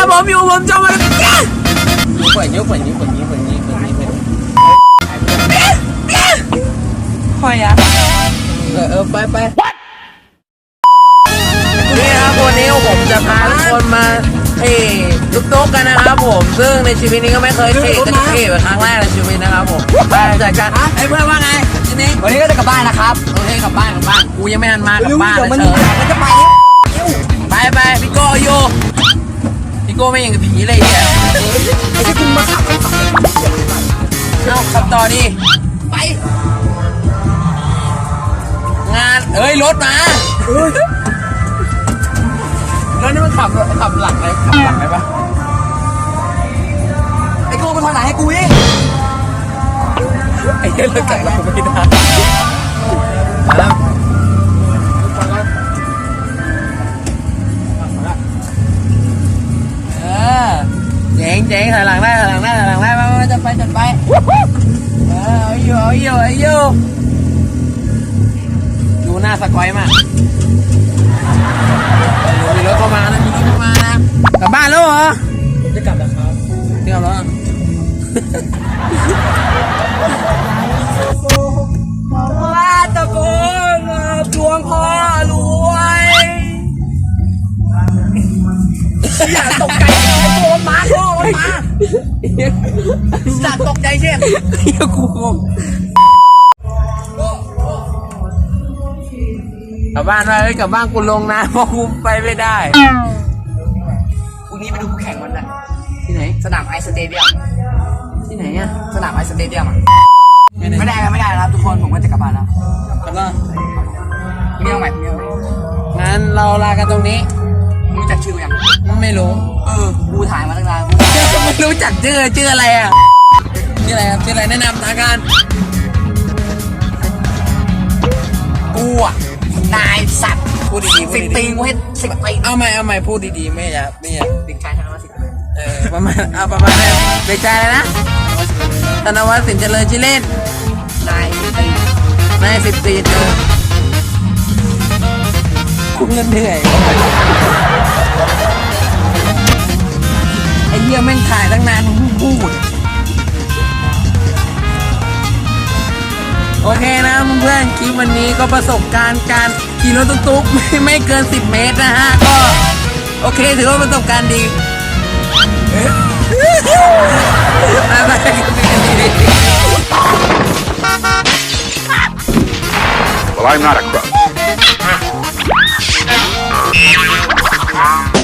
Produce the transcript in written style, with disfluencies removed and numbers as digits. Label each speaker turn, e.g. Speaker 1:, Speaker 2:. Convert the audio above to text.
Speaker 1: ผมอยู่ผมจะมา
Speaker 2: เปิดนิ้ว
Speaker 1: คอยอะ
Speaker 2: ไป
Speaker 1: นี่ครับวันนี้ผมจะพาทุกคนมาตุ๊กกันนะครับผมซึ่งในชีวิตนี้ก็ไม่เคยเแต่เป็นครั้งแรกในชีวิตนะครับผมไปจัดการ
Speaker 2: ไอ้เพื่อนว่าไงทีนี้วันนี้ก็จะกลับบ้านนะครับ
Speaker 1: โอเคกลับบ้านกูยังไม่ทันมากลับบ้าน
Speaker 2: มันจะไป
Speaker 1: พี่โก้โยพี่โก้ไม่ยังกับผีเลยเนี่ย
Speaker 2: ไอ้ที่คุณมาขับ
Speaker 1: เอาขับต่อดิ
Speaker 2: ไป
Speaker 1: งานรถมาแล้วนี่มันขับหลังไหนปะ
Speaker 2: ไอ้โก้มาทางไหนให้กูดิ
Speaker 1: ไอ้เรื่องแต่งเราไม่ได้มาแล้วเจ๋งถอยหลังได้มาจะไปเอาอยู่ดูหน้าสกอยมากมีรถเข้ามานะกลับบ้านแล้วเหรอ
Speaker 2: จะกลับแล้วครับ
Speaker 1: ว่าตะโกนดวงพ่อรวย
Speaker 2: อย่าตกใจโดนมาสัตว์ตกใจเช่น
Speaker 1: กูกลับบ้านกลับบ้านกูลงนะเพราะกูไปไม่ได้
Speaker 2: พรุ่งนี้ไปดูแข่งวันนั้น
Speaker 1: ที่ไหน
Speaker 2: สนามไอสเตเดียม
Speaker 1: ที่ไหนอ่ะ
Speaker 2: สนามไอสเตเดียมไม่ได้แล้วทุกคนผมก็จะกลับบ้านแล้ว
Speaker 1: กลับบ้าน
Speaker 2: เรื่องใหม่
Speaker 1: งั้นเราลากันตรงนี้
Speaker 2: รู้จักชื่อยัง
Speaker 1: ไม่รู้
Speaker 2: กูถ่ายมาตั้งนาน
Speaker 1: ไม่รู้จักชื่ออะไรอ่ะชื่ออะไรครับชื่ออะไรแนะนำทางการ
Speaker 2: กูอ่ะนายสัตว์
Speaker 1: พูดดี
Speaker 2: 10 ปีกูให้10 ปี
Speaker 1: เอาใหม่พูดดีๆไม่อยาก
Speaker 2: เด็กชายธนวัฒน์
Speaker 1: ประมาณนั้นเด็กชายนะธนวัฒน์สินเจริญชื่อเล่น
Speaker 2: นาย
Speaker 1: 10 ปีคุ้มเงินเหนื่อยไอ้เหี้ยแม่งถ่ายตั้งนานพูดโอเคนะเพื่อนคลิปวันนี้ก็ประสบการณ์การขี่รถตุ๊กไม่เกิน10 เมตรนะฮะก็โอเคถือว่าประสบการณ์ดีไป
Speaker 3: Well, I'm not a crook.